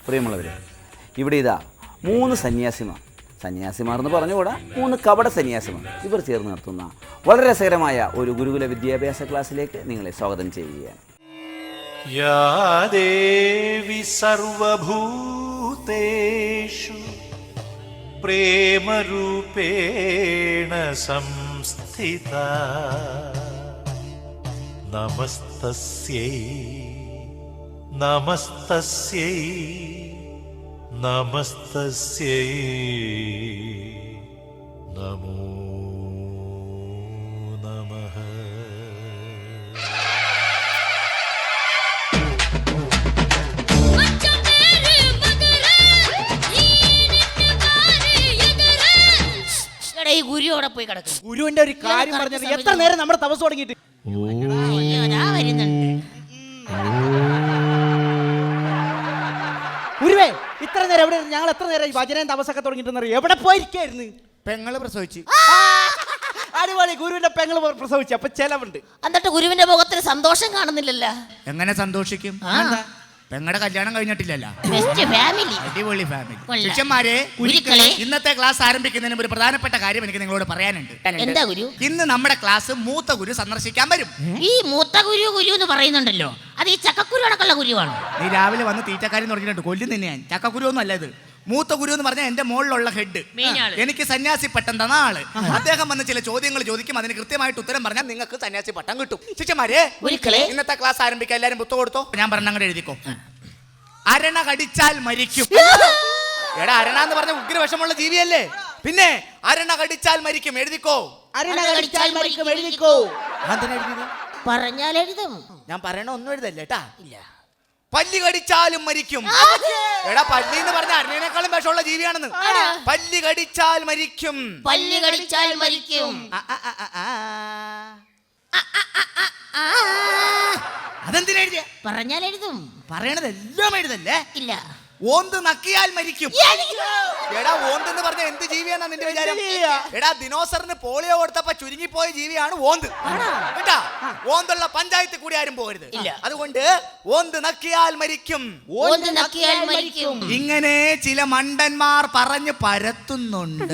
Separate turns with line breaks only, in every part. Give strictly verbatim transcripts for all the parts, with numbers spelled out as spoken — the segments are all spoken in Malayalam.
പ്രിയമുള്ളവരെ, ഇവിടെ ഇതാ മൂന്ന് സന്യാസിമാർ, സന്യാസിമാർ എന്ന് പറഞ്ഞുകൂടാ, മൂന്ന് കപട സന്യാസിമാർ ഇവർ ചേർന്ന് നടത്തുന്ന വളരെ രസകരമായ ഒരു ഗുരുകുല വിദ്യാഭ്യാസ ക്ലാസ്സിലേക്ക് നിങ്ങളെ സ്വാഗതം ചെയ്യുകയാണ്.
യാ ദേവി സർവഭൂതേഷു പ്രേമരൂപേണ സംസ്ഥിതാ നമസ്തസ്യൈ നമസ്തസ്യൈ നമസ്തസ്യൈ നമോ നമഃ.
ഗുരുവിടെ പോയി കിടക്കും.
ഗുരുവിന്റെ ഒരു കാര്യം പറഞ്ഞത് എത്ര നേരം നമ്മുടെ തപസ് തുടങ്ങിയിട്ട്. ഗുരുവേ, ഇത്ര നേരം എവിടെ? ഞങ്ങൾ എത്ര നേരം ഭജനയും തപസ്സൊക്കെ തുടങ്ങിയിട്ടെന്നറിയോ? എവിടെ പോയിരിക്കായിരുന്നു?
പെങ്ങള് പ്രസവിച്ച്.
അടിപൊളി. ഗുരുവിന്റെ പെങ്ങള് പ്രസവിച്ചു, അപ്പൊ ചെലവുണ്ട്.
എന്നിട്ട് ഗുരുവിന്റെ മുഖത്തിന് സന്തോഷം കാണുന്നില്ലല്ലോ.
എങ്ങനെ സന്തോഷിക്കും? പെങ്ങളുടെ കല്യാണം കഴിഞ്ഞിട്ടില്ലല്ലോ. അടിപൊളി ഫാമിലി. ശിഷ്യന്മാരെ, ഇന്നത്തെ ക്ലാസ് ആരംഭിക്കുന്നതിന് ഒരു പ്രധാനപ്പെട്ട കാര്യം എനിക്ക് നിങ്ങളോട് പറയാനുണ്ട്.
എന്താ ഗുരു?
ഇന്ന് നമ്മുടെ ക്ലാസ് മൂത്ത ഗുരു സന്ദർശിക്കാൻ വരും.
ഈ മൂത്ത ഗുരു ഗുരു എന്ന് പറയുന്നുണ്ടല്ലോ, അത് ഈ ചക്കക്കുരു അടക്കമുള്ള ഗുരുവാണ്.
നീ രാവിലെ വന്ന് തീറ്റക്കാരി തുടങ്ങിയിട്ടുണ്ട്, കൊല്ലും തന്നെ ഞാൻ. ചക്കക്കുരു ഒന്നും അല്ല ഇത്. മൂത്ത ഗുരു എന്ന് പറഞ്ഞാൽ എന്റെ മുകളിലുള്ള ഹെഡ്, എനിക്ക് സന്യാസി പട്ടം തന്ന ആള്. അദ്ദേഹം വന്ന് ചില ചോദ്യങ്ങൾ ചോദിക്കും, അതിന് കൃത്യമായിട്ട് ഉത്തരം പറഞ്ഞാൽ നിങ്ങൾക്ക് സന്യാസി പട്ടം കിട്ടും. ശിഷ്യന്മാരെ, ഇന്നത്തെ ക്ലാസ് ആരംഭിക്കാൻ എല്ലാരും പുസ്തകം കൊടുത്തോ. ഞാൻ പറഞ്ഞ അങ്ങോട്ട് എഴുതിക്കോ. അരണ കടിച്ചാൽ മരിക്കും. എടാ, അരണ എന്ന് പറഞ്ഞ ഉഗ്രവിഷമുള്ള ജീവിയല്ലേ? പിന്നെ അരണ കടിച്ചാൽ മരിക്കും, എഴുതിക്കോ.
അരണ കടിച്ചാൽ മരിക്കും, എഴുതിക്കോ.
പറഞ്ഞാൽ എഴുതും.
ഞാൻ പറയണ ഒന്നും എഴുതല്ലേ കേട്ടാ. ഇല്ല. പല്ലി കടിച്ചാലും മരിക്കും. എടാ, പല്ലി എന്ന് പറഞ്ഞ അരണേക്കാളും വിഷമുള്ള ജീവിയാണെന്ന്. പല്ലി കടിച്ചാൽ മരിക്കും.
പല്ലി കടിച്ചാൽ മരിക്കും.
അതെന്തിനാ എഴുതിയ?
പറഞ്ഞാൽ എഴുതും.
പറയണതെല്ലാം എഴുതല്ലേ?
ഇല്ല.
ഓന്ത് നക്കിയാൽ മരിക്കും. എടാ, ഓന്ത് എന്ന് പറഞ്ഞ എന്ത് ജീവിയാണെന്നാ നിന്റെ വിചാരം? എടാ, ദിനോസറിന് പോളിയോ കൊടുത്തപ്പോ ചുരുങ്ങിപ്പോയ ജീവിയാണ് ഓന്ത് കേട്ടാ. ഓന്തുള്ള പഞ്ചായത്ത് കൂടി ആരും പോകരുത്. അതുകൊണ്ട് ഓന്ത് നക്കിയാൽ മരിക്കും.
ഓന്ത് നക്കിയാൽ മരിക്കും.
ഇങ്ങനെ ചില മണ്ടന്മാർ പറഞ്ഞു പരത്തുന്നുണ്ട്.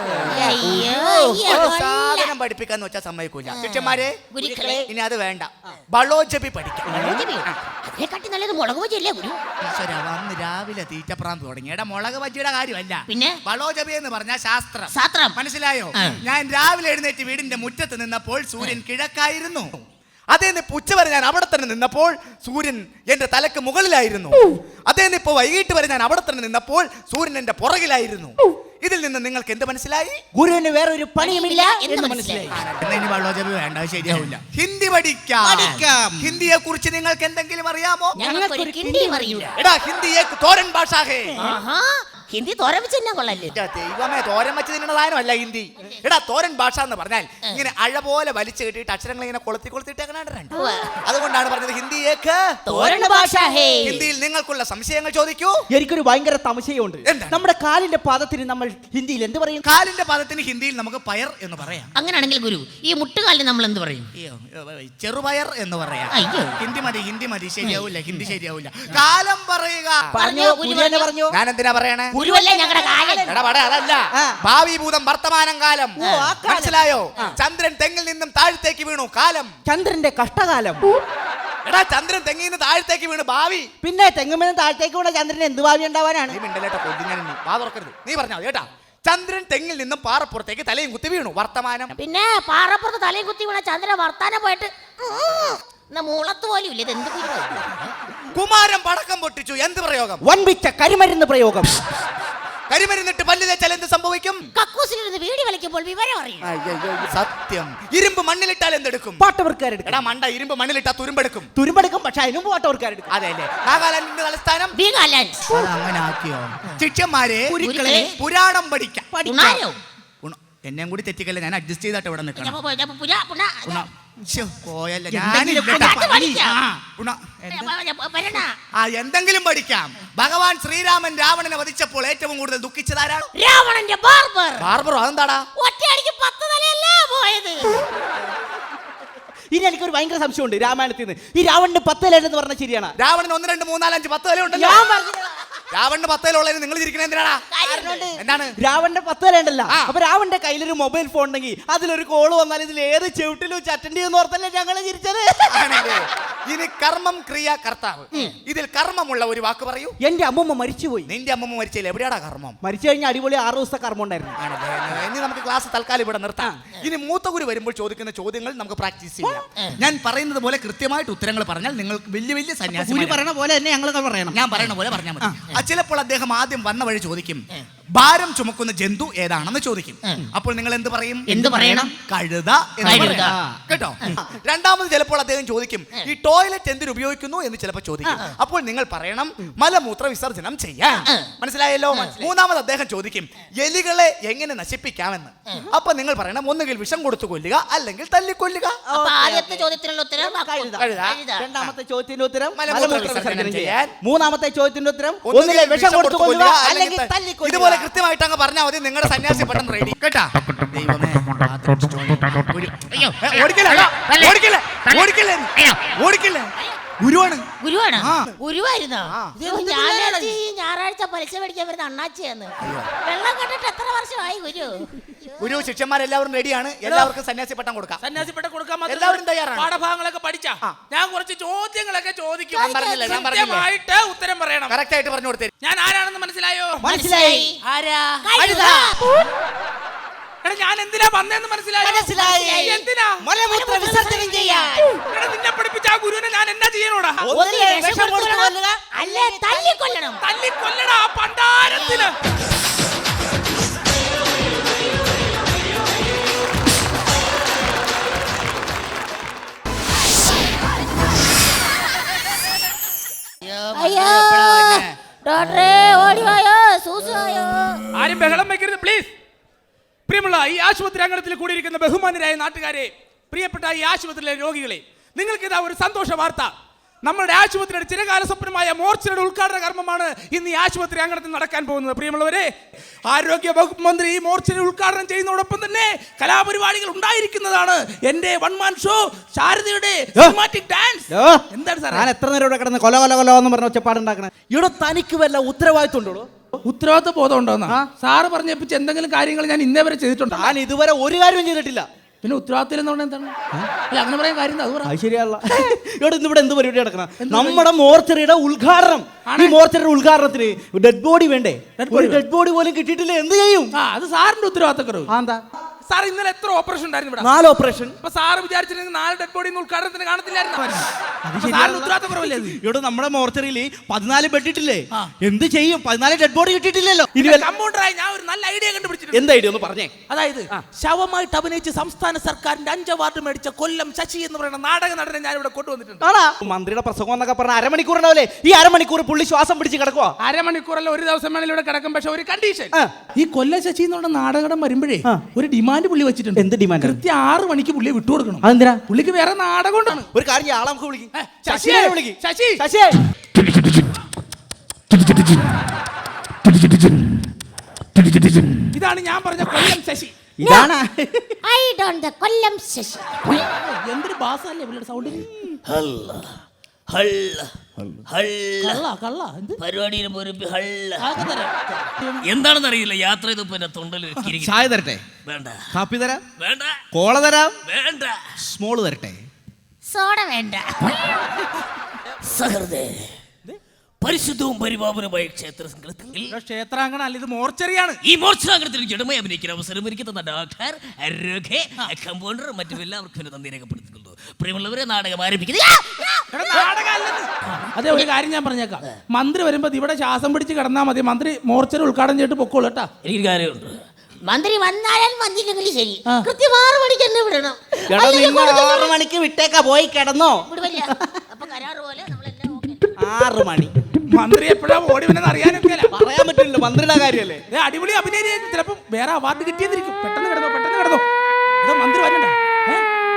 സാധനം പഠിപ്പിക്കാന്ന് വെച്ചാൽ സമ്മതിക്കൂല. ശിഷ്യന്മാരെ, ഇനി അത് വേണ്ട, ബളോജപി പഠിക്കാം.
അതിനെക്കാട്ടി നല്ലത് മുളക് ബജിയല്ലേ ഗുരു?
ഈശ്വര, വന്ന് രാവിലെ തീറ്റപ്രാന്ത് തുടങ്ങി. എടാ, മുളക് ബജിയുടെ കാര്യമല്ല,
പിന്നെ
ബളോജപി എന്ന് പറഞ്ഞ ശാസ്ത്രം.
ശാസ്ത്രം
മനസ്സിലായോ? ഞാൻ രാവിലെ എഴുന്നേറ്റ് വീടിന്റെ മുറ്റത്ത് നിന്നപ്പോൾ സൂര്യൻ കിഴക്കായിരുന്നു. അതേ നിപ്പ് ഉച്ച വരെ ഞാൻ അവിടെ തന്നെ നിന്നപ്പോൾ സൂര്യൻ എന്റെ തലക്ക് മുകളിലായിരുന്നു. അതേ നിപ്പ് വൈകിട്ട് വരെ ഞാൻ അവിടെ തന്നെ നിന്നപ്പോൾ സൂര്യൻ എന്റെ പുറകിലായിരുന്നു. ഇതിൽ നിന്ന് നിങ്ങൾക്ക് എന്ത് മനസ്സിലായി?
ഗുരുവിന് വേറെ ഒരു പണിയുമില്ല എന്ന് മനസ്സിലായി.
ബളോജപി വേണ്ട, ശരിയാവില്ല. ഹിന്ദി പഠിക്കാം. ഹിന്ദിയെ കുറിച്ച് നിങ്ങൾക്ക് എന്തെങ്കിലും അറിയാമോ? എടാ, ഹിന്ദിയെ തോരൻ ഭാഷ.
ഹിന്ദി തോരൻ വെച്ച് തന്നെ കൊള്ളല്ലേ?
ദൈവമേ, തോരൻ വെച്ച് തിന്നണ സാധനമല്ല ഹിന്ദി. എടാ, തോരൻ ഭാഷ എന്ന് പറഞ്ഞാൽ ഇങ്ങനെ അഴ പോലെ വലിച്ചു കെട്ടിയിട്ട് അക്ഷരങ്ങൾ ഇങ്ങനെ കൊളുത്തി കൊളുത്തിട്ടേക്കണുണ്ട്. അതുകൊണ്ടാണ് പറഞ്ഞത് ഹിന്ദിയേക്ക്
തോരൻ ഭാഷ.
ഹിന്ദിയിൽ നിങ്ങൾക്കുള്ള സംശയങ്ങൾ ചോദിക്കൂ.
എനിക്കൊരു ഭയങ്കര സംശയമുണ്ട്. നമ്മുടെ കാലിന്റെ പാദത്തിന് നമ്മൾ ഹിന്ദിയിൽ എന്ത് പറയും?
കാലിന്റെ പാദത്തിന് ഹിന്ദിയിൽ നമുക്ക് പയർ എന്ന് പറയാം.
അങ്ങനെയാണെങ്കിൽ ഗുരു, ഈ മുട്ടുകാലിന് നമ്മൾ എന്ത് പറയും?
ചെറുപയർ എന്ന് പറയാം. ഹിന്ദി മതി, ഹിന്ദി മതി. ശരിയാവില്ല, ഹിന്ദി ശരിയാവില്ല. കാലം പറയുക. ഞാൻ എന്തിനാ പറയണേ? അതല്ല, ഭാവി ഭൂതം വർത്തമാനം കാലം. മനസ്സിലായോ? ചന്ദ്രൻ തെങ്ങിൽ നിന്നും താഴത്തേക്ക് വീണു, കാലം.
ചന്ദ്രന്റെ കഷ്ടകാലം.
എടാ, ചന്ദ്രൻ തെങ്ങിൽ നിന്ന് താഴത്തേക്ക് വീണു, ഭാവി.
പിന്നെ തെങ്ങുമെന്ന് താഴത്തേക്ക് വീണ ചന്ദ്രൻ എന്ത് ഭാവി ഉണ്ടാവാനാണ്?
നീ പറഞ്ഞോ കേട്ടാ. ചന്ദ്രൻ തെങ്ങിൽ നിന്നും പാറപ്പുറത്തേക്ക് തലയും കുത്തി വീണു, വർത്തമാനം.
പിന്നെ പാറപ്പുറത്ത് തലയും കുത്തി വീണ ചന്ദ്രൻ വർത്താനം പോയിട്ട് മൂളത്ത് പോലും ഇല്ല. എന്ത്
കുമാരൻ പടക്കം പൊട്ടിച്ചു, എന്ത് പ്രയോഗം?
വൻപിച്ച കരിമരുന്ന് പ്രയോഗം.
കരിമരുന്നിട്ട് പല്ല് തേച്ചാൽ എന്ത് സംഭവിക്കും?
കക്കൂസിലിരുന്ന് വീടി വലിക്കുമ്പോൾ വിവരം അറിയും.
സത്യം. ഇരുമ്പ് മണ്ണിലിട്ടാൽ എന്തെടുക്കും?
പാട്ടവർക്കാരെടുക്കും.
എടാ മണ്ട, ഇരുമ്പ് മണ്ണിലിട്ടാൽ തുരുമ്പെടുക്കും.
തുരുമ്പെടുക്കും, പക്ഷെ അതിനും പാട്ടവർക്കാരെടുക്കും.
അതെല്ലേ? നാഗാലാൻഡിന്റെ തലസ്ഥാനം അങ്ങനെ ആക്കിയോ? ശിഷ്യന്മാരെ, പുരാണം പഠിക്കാം. എന്നെ കൂടി തെറ്റിക്കല്ല, ഞാൻ അഡ്ജസ്റ്റ് ചെയ്തിട്ട് ഇവിടെ നിൽക്കണം. എന്തെങ്കിലും പഠിക്കാം. ഭഗവാൻ ശ്രീരാമൻ രാവണനെ വധിച്ചപ്പോൾ ഏറ്റവും കൂടുതൽ ദുഃഖിച്ചതാരാണ്?
രാവണന്റെ ബാർബർ.
ബാർബറോ? അതെന്താടാ?
ഒറ്റയടിക്ക് പത്ത് തലയല്ലേ പോയത്.
ഇനി എനിക്കൊരു ഭയങ്കര സംശയമുണ്ട് രാമായണത്തിൽ നിന്ന്. ഈ രാവണന് പത്ത് തല എന്ന് പറഞ്ഞാൽ ശരിയാണ്?
രാവണന് ഒന്ന് രണ്ട് മൂന്നാലഞ്ച് പത്ത് തല ഉണ്ട്.
ഞാൻ പറഞ്ഞു
രാവണന്റെ പത്തേലുള്ളതിന് നിങ്ങൾ ഇരിക്കണ എന്തിനാടാ? എന്താണ്?
രാവണന്റെ പത്തേലുണ്ടല്ലോ.
ആ.
അപ്പൊ രാവണന്റെ കയ്യിലൊരു മൊബൈൽ ഫോൺ ഉണ്ടെങ്കിൽ അതിലൊരു കോള് വന്നാൽ ഇതിൽ ഏത് ചെവിട്ടിലും അറ്റൻഡ് ചെയ്യുന്ന ഓർത്തല്ലേ ഞങ്ങള് ചിരിച്ചത്.
ആണല്ലേ? ഇനി കർമ്മം ക്രിയ കർത്താവ്, ഇതിൽ കർമ്മമുള്ള ഒരു വാക്ക് പറയൂ.
എന്റെ അമ്മമ്മ മരിച്ചുപോയി.
നിന്റെ അമ്മമ്മ മരിച്ചില്ല, എവിടെയാടാ കർമ്മം?
മരിച്ചു കഴിഞ്ഞാൽ അടിപൊളി ആറ് ദിവസത്തെ കർമ്മം ഉണ്ടായിരുന്നു.
ആണല്ലേ? ഇനി നമുക്ക് ക്ലാസ് തൽക്കാലം ഇവിടെ നിർത്താം. ഇനി മൂത്ത ഗുരു വരുമ്പോൾ ചോദിക്കുന്ന ചോദ്യങ്ങൾ നമുക്ക് പ്രാക്ടീസ് ചെയ്യാം. ഞാൻ പറയുന്നത് പോലെ കൃത്യമായിട്ട് ഉത്തരങ്ങൾ പറഞ്ഞാൽ നിങ്ങൾക്ക് വലിയ വലിയ സന്യാസി
ഗുരു പറയണ പോലെ തന്നെ ഞങ്ങൾ പറയണം.
ഞാൻ പറയുന്ന പോലെ പറഞ്ഞാൽ മതി. ആ, ചിലപ്പോൾ അദ്ദേഹം ആദ്യം വന്ന വഴി ചോദിക്കും, ഭാരം ചുമക്കുന്ന ജന്തു ഏതാണെന്ന് ചോദിക്കും. അപ്പോൾ നിങ്ങൾ എന്ത് പറയും?
എന്ത് പറയണം?
കഴുത എന്ന്
കഴുത.
പറയണം. കേട്ടോ? രണ്ടാമത് ചിലപ്പോൾ അദ്ദേഹം ചോദിക്കും, ഈ ടോയ്ലറ്റ് എന്തിനു ഉപയോഗിക്കുന്നു എന്ന് ചിലപ്പോൾ ചോദിക്കും. അപ്പോൾ നിങ്ങൾ പറയണം, മലമൂത്ര വിസർജനം ചെയ്യാൻ. മനസ്സിലായല്ലോ? മൂന്നാമത് അദ്ദേഹം ചോദിക്കും, എലികളെ എങ്ങനെ നശിപ്പിക്കാമെന്ന്. അപ്പൊ നിങ്ങൾ പറയണം, ഒന്നുകിൽ വിഷം കൊടുത്തു കൊല്ലുക, അല്ലെങ്കിൽ തല്ലിക്കൊല്ലുക.
അപ്പൊ ആദ്യത്തെ ചോദ്യത്തിനുള്ള ഉത്തരം
കഴുത.
കഴുത.
രണ്ടാമത്തെ ചോദ്യത്തിന്റെ ഉത്തരം
മലമൂത്ര
മലമൂത്ര
വിസർജനം
വിസർജനം
ചെയ്യാൻ.
ചെയ്യാൻ. മൂന്നാമത്തെ ചോദ്യത്തിന്റെ ഉത്തരം
ഒന്നുകിൽ
ഒന്നിലെ വിഷം കൊടുത്തു കൊല്ലുക, അല്ലെങ്കിൽ
ത-
തല്ലിക്കൊല്ലുക.
ഇതുപോലെ കൃത്യമായിട്ട് അങ്ങ് പറഞ്ഞാൽ മതി. നിങ്ങളുടെ സന്യാസി പട്ടം റെഡി. കേട്ടാ? ദൈവമേ, ഒരു-
അയ്യോ
ഏ, ഓടിക്കല്ലേ? ഓടിക്കല്ലേ? ഓടിക്കല്ലേ? ഓടിക്കല്ലേ? ഗുരുവാണ്.
ഗുരുവാണ്.
ആ.
ഗുരുവായിരുന്നോ? ഞാൻ ഈ ഞായറാഴ്ച പലിശ മേടിക്കാൻ വരുന്ന അണ്ണാച്ചിയാന്ന്. വെള്ളം കണ്ടിട്ട് എത്ര വർഷമായി ഗുരു?
ഗുരു ശിഷ്യന്മാരെല്ലാവരും റെഡിയാണ്. എല്ലാവർക്കും സന്യാസി പട്ടം കൊടുക്കാം.
സന്യാസിപ്പെട്ട കൊടുക്കാൻ മാത്രം
എല്ലാവരും തയ്യാറാണ്.
പാഠഭാഗങ്ങളൊക്കെ പഠിച്ചാ ഞാൻ കുറച്ച് ചോദ്യങ്ങളൊക്കെ ചോദിക്കും.
ഞാൻ പറഞ്ഞില്ലേ, ഞാൻ പറഞ്ഞില്ലേ?
കൃത്യമായിട്ട് ഉത്തരം പറയണം.
കറക്റ്റ് ആയിട്ട് പറഞ്ഞു കൊടുത്തേ.
ഞാൻ ആരാണെന്ന് മനസ്സിലായോ?
മനസ്സിലായി.
ആരാ?
കഴുത.
എടാ, ഞാൻ എന്തിനാ വന്നേന്ന് മനസ്സിലായോ?
മനസ്സിലായി.
എന്തിനാ?
മലമൂത്ര വിസർജനം ചെയ്യാൻ.
എടാ, നിന്നെ പഠിപ്പിച്ച ആ ഗുരുവിനെ ഞാൻ എന്നാ ചെയ്യണോടാ?
ഒന്നിലെ വിഷം കൊടുത്തു കൊല്ലുക,
അല്ലേ തല്ലിക്കൊല്ലണം.
തല്ലി കൊല്ലടാ ആ പണ്ടാരത്തിന്.
അയ്യോ ഡോക്ടറെ ഓടിവായോ, സൂസുവായോ.
ആരും ബഹളം വയ്ക്കരുത് പ്ലീസ്. പ്രിയമുള്ള ഈ ആശുപത്രി അങ്കണത്തിൽ കൂടിയിരിക്കുന്ന ബഹുമാനരായ നാട്ടുകാരെ, പ്രിയപ്പെട്ട ഈ ആശുപത്രിയിലെ രോഗികളെ, നിങ്ങൾക്ക് ഇതാ ഒരു സന്തോഷ വാർത്ത. നമ്മുടെ ആശുപത്രിയുടെ ചിരകാല സ്വപ്നമായ മോർച്ചയുടെ ഉദ്ഘാടന കർമ്മമാണ് ഇന്ന് ഈ ആശുപത്രി അങ്കണത്തിൽ നടക്കാൻ പോകുന്നത്. പ്രിയമുള്ളവരെ, ആരോഗ്യ വകുപ്പ് മന്ത്രി ഈ മോർച്ചയുടെ ഉദ്ഘാടനം ചെയ്യുന്നതോടൊപ്പം തന്നെ കലാപരിപാടികൾ ഉണ്ടായിരിക്കുന്നതാണ്. എന്റെ വൺ മാൻ ഷോ, ശാരദയുടെ സിനിമാറ്റിക് ഡാൻസ്. എന്താണ് സാർ?
ഞാൻ എത്ര നേരം ഇവിടെ കിടന്ന് കൊല കൊല കൊല എന്ന് പറഞ്ഞ ഒച്ചപ്പാടുണ്ടാക്കണേ? ഇവിടെ തനിക്ക് വല്ല ഉത്തരവാദിത്വം ഉണ്ടോ?
ഉത്തരവാദിത്വ ബോധം ഉണ്ടോന്നാ സാറ് പറഞ്ഞേപ്പിച്ച് എന്തെങ്കിലും കാര്യങ്ങൾ ഞാൻ ഇന്നേ വരെ ചെയ്തിട്ടുണ്ടോ?
ഞാൻ ഇതുവരെ ഒരു കാര്യവും ചെയ്തിട്ടില്ല.
പിന്നെ ഉത്തരവാദിത്തം എന്ന് പറഞ്ഞാൽ എന്താണ്? അല്ല, അങ്ങനെ പറയാൻ കാര്യം എന്താ? അത് പറ.
അത് ശരിയല്ല. ഇവിടെ ഇന്ന് ഇവിടെ എന്ത് പരിപാടി നടക്കണം? നമ്മുടെ മോർച്ചറിയുടെ ഉദ്ഘാടനം. ഈ മോർച്ചറിയുടെ ഉദ്ഘാടനത്തിന് ഡെഡ് ബോഡി വേണ്ടേ? ഒരു ഡെഡ് ബോഡി പോലും കിട്ടിയിട്ടില്ല. എന്ത് ചെയ്യും?
ആ, അത് സാറിന്റെ ഉത്തരവാദിത്തക്കുറവ്.
ആ, എന്താ?
സാർ ഇന്നലെ എത്ര ഓപ്പറേഷൻ ഉണ്ടായിരുന്നു ഇവിടെ?
നാല് ഓപ്പറേഷൻ.
അപ്പൊ സാറ് വിചാരിച്ചിരുന്നെങ്കിൽ നാല് ഡെഡ് ബോഡി ഉദ്ഘാടനത്തിന് കാണത്തില്ലായിരുന്നു. സാറിന്റെ ഉത്തരവാദിത്തക്കുറവല്ലേ അത്?
ഇവിടെ നമ്മുടെ മോർച്ചറിയിൽ പതിനാല് ബെഡ് ഇട്ടില്ലേ? എന്ത് ചെയ്യും? പതിനാല് ഡെഡ് ബോഡി കിട്ടിയിട്ടില്ലല്ലോ. ഇനി
കമ്പൗണ്ടറായി ഞാൻ ഒരു നല്ല ഐഡിയ കണ്ടുപിടിച്ചിട്ടുണ്ട്.
എന്ത് ഐഡിയ ഒന്ന് പറഞ്ഞേ.
അതായത് ശവമായിട്ട് അഭിനയിച്ച് സംസ്ഥാന സർക്കാരിന്റെ അഞ്ച് അവാർഡ് മേടിച്ച കൊല്ലം ശശി എന്ന് പറയുന്ന നാടക നടനെ ഞാൻ ഇവിടെ കൊണ്ടുവന്നിട്ടുണ്ട്.
ആണോ? മന്ത്രിയുടെ പ്രസംഗം എന്നൊക്കെ പറഞ്ഞ അരമണിക്കൂർ ഉണ്ടാവില്ലേ? ഈ അരമണിക്കൂർ പുള്ളി ശ്വാസം പിടിച്ച് കിടക്കുക.
അരമണിക്കൂറല്ല, ഒരു ദിവസം വേണേലും ഇവിടെ കിടക്കും. പക്ഷെ ഒരു കണ്ടീഷൻ, ഈ കൊല്ലം ശശി എന്ന് പറഞ്ഞ നാടകം വരുമ്പോഴേ ഒരു ഡിമാൻഡ് പുള്ളി വെച്ചിട്ടുണ്ട്.
എന്ത് ഡിമാൻഡ്?
കൃത്യം ആറ് മണിക്ക് പുള്ളിയെ വിട്ടുകൊടുക്കണം.
അതെന്തിനാ?
പുള്ളിക്ക് വേറെ നാടകം കൊണ്ടാണ്.
ഒരു കാര്യം ചെയ്യാം, ആളെ നമുക്ക് വിളിക്കും.
ശശിയെ വിളിക്ക്. ശശി
ശശി
ഇതാണ് ഞാൻ പറഞ്ഞ കൊല്ലം ശശി.
ഇതാണ്.
I don't the Kollam Sasi.
എന്തൊരു ബാസല്ലേ പുള്ളിയുടെ സൗണ്ടിൽ. കള്ള കള്ള എന്ത്
പരിപാടിയിൽ പോരും ഹള്ള
ആകെ തരാം.
എന്താണെന്ന് അറിയില്ല. യാത്ര ചെയ്തപ്പോ എന്റെ തൊണ്ടൽ
ചായ തരട്ടെ?
വേണ്ട
കാപ്പി തരാം?
വേണ്ട
കോള തരാം?
വേണ്ട
സ്മോള് തരട്ടെ?
സോഡ വേണ്ട.
സഹൃദേ, പരിശുദ്ധവും പരിപാവനമായ ക്ഷേത്ര സംഘത്തിൽ
ക്ഷേത്രാങ്കണ അല്ല, ഇത് മോർച്ചറിയാണ്.
ഈ മോർച്ചാഗ്രഹത്തിൽ ജഡമായി അഭിനയിക്കുന്ന അവസരം ഒരുക്കി തന്ന ഡോക്ടർ രഘേ, കമ്പൗണ്ടർ മറ്റും എല്ലാവർക്കും എന്നെ നന്ദി രേഖപ്പെടുത്തുന്നു. പ്രിയമുള്ളവരെ, നാടകം ആരംഭിക്കുന്നത്.
അതെ, ഒരു കാര്യം ഞാൻ പറഞ്ഞേക്കാം. മന്ത്രി വരുമ്പോ ഇവിടെ ശ്വാസം പിടിച്ച് കിടന്നാൽ മതി. മന്ത്രി മോർച്ചറി ഉദ്ഘാടനം ചെയ്തിട്ട് പൊക്കോളൂ കേട്ടാ.
എനിക്കൊരു കാര്യമുണ്ട്.
മന്ത്രി വന്നാലും വന്നില്ലെങ്കിലും ശരി, കൃത്യം ആറ് മണിക്ക് തന്നെ വിടണം.
എടാ, നിന്നെ ആറ് മണിക്ക് വിട്ടേക്കാ, പോയി കിടന്നോ.
വിടുവല്ല. അപ്പൊ കരാറ് പോലെ നമ്മളെല്ലാം ഓക്കേ.
ആറ് മണി.
മന്ത്രി എപ്പോഴാ ഓടി വന്നെന്ന് അറിയാനൊക്കെ
പറയാൻ പറ്റില്ല, മന്ത്രിയുടെ കാര്യല്ലേ.
അടിപൊളി അഭിനയം. ചിലപ്പോ വേറെ അവാർഡ് കിട്ടിയെന്നിരിക്കും. പെട്ടെന്ന് കിടന്നോ, പെട്ടെന്ന് കിടന്നോ. അതോ മന്ത്രി വരണ്ട.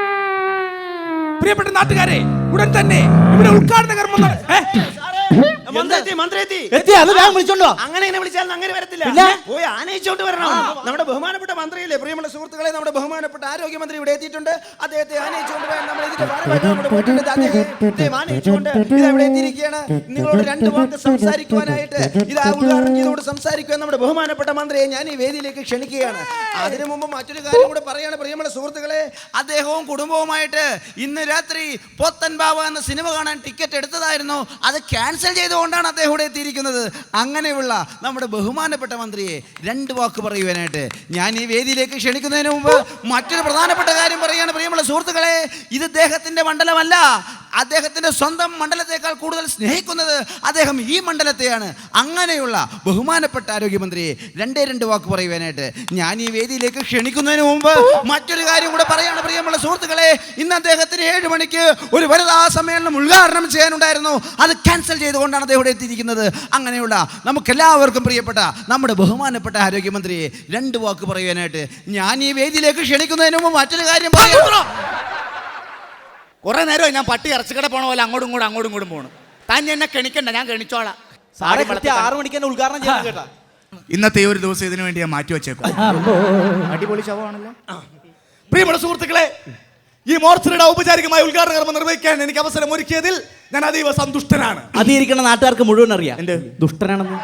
പ്രിയപ്പെട്ട നാട്ടുകാരെ, ഉടൻ തന്നെ ഇവിടെ ഉദ്ഘാടന കർമ്മം
മന്ത്രി മന്ത്രി
എത്തി അത് വേഗം വിളിച്ചോണ്ടോ.
അങ്ങനെ എന്നെ വിളിച്ചാൽ അങ്ങനെ വരത്തില്ല.
പിന്നെ?
പോയി ആനയിച്ചോണ്ട് വരണം. നമ്മുടെ ബഹുമാനപ്പെട്ട മന്ത്രിയില്ലേ, പ്രിയമുള്ള സുഹൃത്തുക്കളെ, നമ്മുടെ ബഹുമാനപ്പെട്ട ആരോഗ്യമന്ത്രി ഇവിടെ എത്തിയിട്ടുണ്ട്. അദ്ദേഹത്തെ ആനയിച്ചുകൊണ്ട് പോയാൽ നമ്മൾ ഇതിന്റെ ഭാഗമായിട്ട് നമ്മുടെ പോയിട്ടുണ്ട്. അദ്ദേഹം ആനയിച്ചുകൊണ്ട് ഇത് ഇവിടെ എത്തിയിരിക്കുകയാണ്. നിങ്ങളോട് രണ്ട് വാക്ക് സംസാരിക്കുവാനായിട്ട് ഇത് ഉദ്ഘാടനം ചെയ്തുകൊണ്ട് സംസാരിക്കുവാൻ നമ്മുടെ ബഹുമാനപ്പെട്ട മന്ത്രിയെ ഞാൻ ഈ വേദിയിലേക്ക് ക്ഷണിക്കുകയാണ്. അതിനു മുമ്പ് മറ്റൊരു കാര്യം കൂടെ പറയാണ്, പ്രിയമുള്ള സുഹൃത്തുക്കളെ. അദ്ദേഹവും കുടുംബവുമായിട്ട് ഇന്ന് രാത്രി പോത്തൻ ബാവ എന്ന സിനിമ കാണാൻ ടിക്കറ്റ് എടുത്തതായിരുന്നു. അത് ക്യാൻസൽ ചെയ്തുകൊണ്ടാണ് അദ്ദേഹം ഇവിടെ എത്തിയിരിക്കുന്നത്. അങ്ങനെയുള്ള നമ്മുടെ ബഹുമാനപ്പെട്ട മന്ത്രിയെ രണ്ട് വാക്ക് പറയുവാനായിട്ട് ഞാൻ ഈ വേദിയിലേക്ക് ക്ഷണിക്കുന്നതിന് മുമ്പ് മറ്റൊരു പ്രധാനപ്പെട്ട കാര്യം പറയുകയാണ്, പ്രിയമുള്ള സുഹൃത്തുക്കളെ. ഇത് അദ്ദേഹത്തിന്റെ മണ്ഡലമല്ല. അദ്ദേഹത്തിന്റെ സ്വന്തം മണ്ഡലത്തെക്കാൾ കൂടുതൽ സ്നേഹിക്കുന്നത് അദ്ദേഹം ഈ മണ്ഡലത്തെയാണ്. അങ്ങനെയുള്ള ബഹുമാനപ്പെട്ട ആരോഗ്യമന്ത്രിയെ രണ്ടേ രണ്ട് വാക്ക് പറയുവാനായിട്ട് ഞാൻ ഈ വേദിയിലേക്ക് ക്ഷണിക്കുന്നതിന് മുമ്പ് മറ്റൊരു കാര്യം കൂടെ പറയാണ്, പ്രിയമുള്ള സുഹൃത്തുക്കളെ. ഇന്ന് അദ്ദേഹത്തിന് ഏഴ് മണിക്ക് ഒരു വനിതാ സമ്മേളനം ഉദ്ഘാടനം ചെയ്യാനുണ്ടായിരുന്നു. അത് ക്യാൻസൽ ചെയ്തുകൊണ്ടാണ് അദ്ദേഹം ഇവിടെ എത്തിയിരിക്കുന്നത്. അങ്ങനെയുള്ള നമുക്കെല്ലാവർക്കും പ്രിയപ്പെട്ട നമ്മുടെ ബഹുമാനപ്പെട്ട ആരോഗ്യമന്ത്രിയെ രണ്ട് വാക്ക് പറയുവാനായിട്ട് ഞാൻ ഈ വേദിയിലേക്ക് ക്ഷണിക്കുന്നതിന് മുമ്പ് മറ്റൊരു കാര്യം പറയാം. കുറെ നേരം ഞാൻ പട്ടി ഇറച്ചിക്കട പോണ പോലെ അങ്ങോട്ടും ഇങ്ങോട്ടും അങ്ങോട്ടും ഇങ്ങോട്ടും പോകണം. താൻ എന്നെ കെണിക്കണ്ട, ഞാൻ കെണിച്ചോളാം.
സാറേ കൃത്യം ആറ് മണിക്ക് തന്നെ ഉദ്ഘാടനം ചെയ്യാൻ കേട്ടാ.
ഇന്നത്തെ ഒരു ദിവസം ഇതിനു വേണ്ടി ഞാൻ മാറ്റി വെച്ചേക്കും. അടിപൊളി ശവമാണല്ലോ. പ്രിയമുള്ള സുഹൃത്തുക്കളെ, ഈ മോർച്ചറിയുടെ ഔപചാരികമായ ഉദ്ഘാടന കർമ്മം നിർവഹിക്കാൻ എനിക്ക് അവസരം ഒരുക്കിയതിൽ ഞാൻ അതീവ സന്തുഷ്ടനാണ്.
അതിരിക്കുന്ന നാട്ടുകാർക്ക് മുഴുവൻ അറിയാം
എന്ത്
ദുഷ്ടനാണെന്ന്.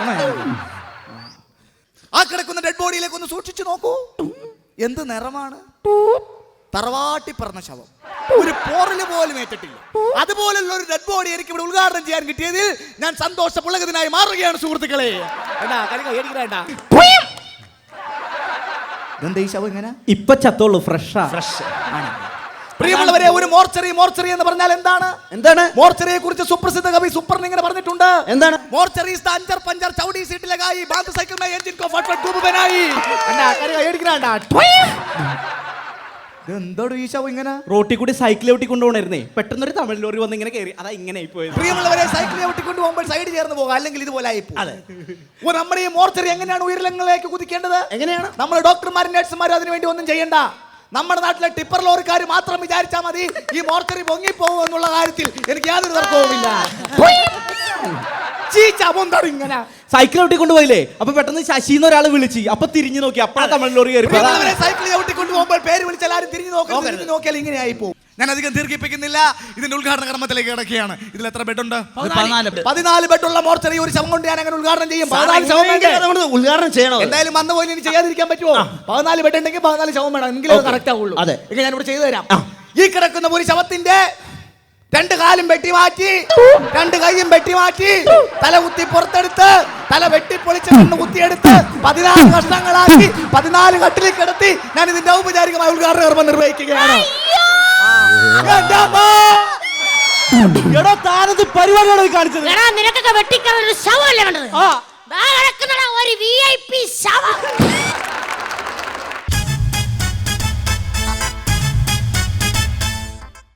ആ കിടക്കുന്ന ഡെഡ് ബോഡിയിലേക്ക് ഒന്ന് സൂക്ഷിച്ചു നോക്കൂ. എന്ത് നിറമാണ്! തറവാട്ടി പറഞ്ഞ ശവം, ഒരു പോറല് പോലും ഏറ്റിട്ടില്ല. അതുപോലുള്ള ഒരു ഡെഡ് ബോഡി എനിക്ക് ഇവിടെ ഉദ്ഘാടനം ചെയ്യാൻ കിട്ടിയതിൽ ഞാൻ സന്തോഷ പുളകത്തിനായി മാറുകയാണ് സുഹൃത്തുക്കളെ.
ഇപ്പൊ ചത്തോളൂ, ഫ്രഷാ.
പ്രിയമുള്ളവരെ, ഒരു മോർച്ചറി മോർച്ചറി എന്ന് പറഞ്ഞാൽ എന്താണ്?
എന്താണ്
മോർച്ചറിയെ കുറിച്ച് സുപ്രസിദ്ധ കവി സുപ്രൻ ഇങ്ങനെ പറഞ്ഞിട്ടുണ്ട്.
എന്താണ്?
മോർച്ചറി ഈസ് ദ അഞ്ചർ പഞ്ചർ ചൗടി സീറ്റ് ലഗായി ബാന്ദ് സൈക്കിൾ മേ എൻജിൻ കോ ഫट फट डूब बनाई. കണ്ടാ കരി കയടിക്കണാ. എന്തോട് ഈ ശവം ഇങ്ങനെ
റോട്ടിൽ കൂടി സൈക്കിൾ ഔട്ടി കൊണ്ടുപോകണേ, പെട്ടെന്നൊരു തമിഴ് ലോറി വന്ന് ഇങ്ങനെ കയറി, അതാ ഇങ്ങനെ ആയിപ്പോയത്.
പ്രിയമുള്ളവരെ, സൈക്കിൾ ഔട്ടിക്കൊണ്ട് പോകുമ്പോൾ സൈഡ് ചേർന്ന് പോകാം, അല്ലെങ്കിൽ ഇതുപോലെ ആയിപ്പോ. നമ്മുടെ ഈ മോർച്ചറി എങ്ങനെയാണ് ഉയരങ്ങളിലേക്ക് കുതിക്കേണ്ടത്?
എങ്ങനെയാണ്?
നമ്മൾ ഡോക്ടർമാരും നഴ്സുമാരും അതിനു വേണ്ടി ഒന്നും ചെയ്യണ്ട. നമ്മുടെ നാട്ടിലെ ടിപ്പർ ലോറിക്കാർ മാത്രം വിചാരിച്ചാൽ മതി ഈ മോർച്ചറി പൊങ്ങിപ്പോകും എന്നുള്ള കാര്യത്തിൽ എനിക്ക് യാതൊരു തർക്കവുമില്ല. ഇങ്ങനെ
സൈക്കിൾ ഔട്ടി കൊണ്ടുപോയില്ലേ, അപ്പൊ പെട്ടെന്ന് ശശിന്ന് ഒരാൾ വിളിച്ച്, അപ്പൊ തിരിഞ്ഞു നോക്കി, അപ്പഴാ തമിഴ് ലോറി കയറി.
സൈക്കിൾ ഔട്ടിക്കൊണ്ട് പോകുമ്പോൾ പേര് വിളിച്ചാൽ ആരും തിരിഞ്ഞു നോക്കി നോക്കിയാൽ ഇങ്ങനെ ആയി പോകും. ഞാൻ അധികം ദീർഘിപ്പിക്കുന്നില്ല, ഇതിന്റെ ഉദ്ഘാടന കർമ്മത്തിലേക്ക് കിടക്കുകയാണ്. ഇതിൽ എത്ര ബെഡുണ്ട്? പതിനാല് ബെഡുള്ള മോർച്ചറി ഒരു ശവം കൊണ്ട് ഞാൻ അങ്ങനെ ഉദ്ഘാടനം ചെയ്യും. പതിനാല് ശവം
ഉദ്ഘാടനം ചെയ്യണം.
എന്തായാലും വന്ന പോലെ ഇനി ചെയ്യാതിരിക്കാൻ പറ്റുമോ? പതിനാല് ബെഡ് ഉണ്ടെങ്കിൽ പതിനാല് ശവം വേണം, എങ്കിലും കറക്റ്റ് ആവുള്ളൂ.
അതെ,
ഞാൻ ഇവിടെ ചെയ്തു തരാം. ഈ കിടക്കുന്ന ഒരു ശവത്തിന്റെ രണ്ട് കാലും വെട്ടി മാറ്റി, രണ്ട് കൈയും വെട്ടി മാറ്റി, തല കുത്തി പുറത്തെടുത്ത്, തല വെട്ടിപ്പൊളിച്ച് കണ്ണ് കുത്തിയെടുത്ത് പതിനാല് കഷ്ണങ്ങളാക്കി പതിനാല് കട്ടിലിൽ കിടത്തി ഞാൻ ഇതിന്റെ ഔപചാരികമായ ഉദ്ഘാടന കർമ്മം നിർവഹിക്കുകയാണ്.
പരിപാടിയാണ് കാണിച്ചത്.
നിനക്കൊക്കെ വെട്ടിക്കാൻ ഒരു ശവമല്ലേ വേണ്ടത്? ഒരു വി ഐ പി ശവം.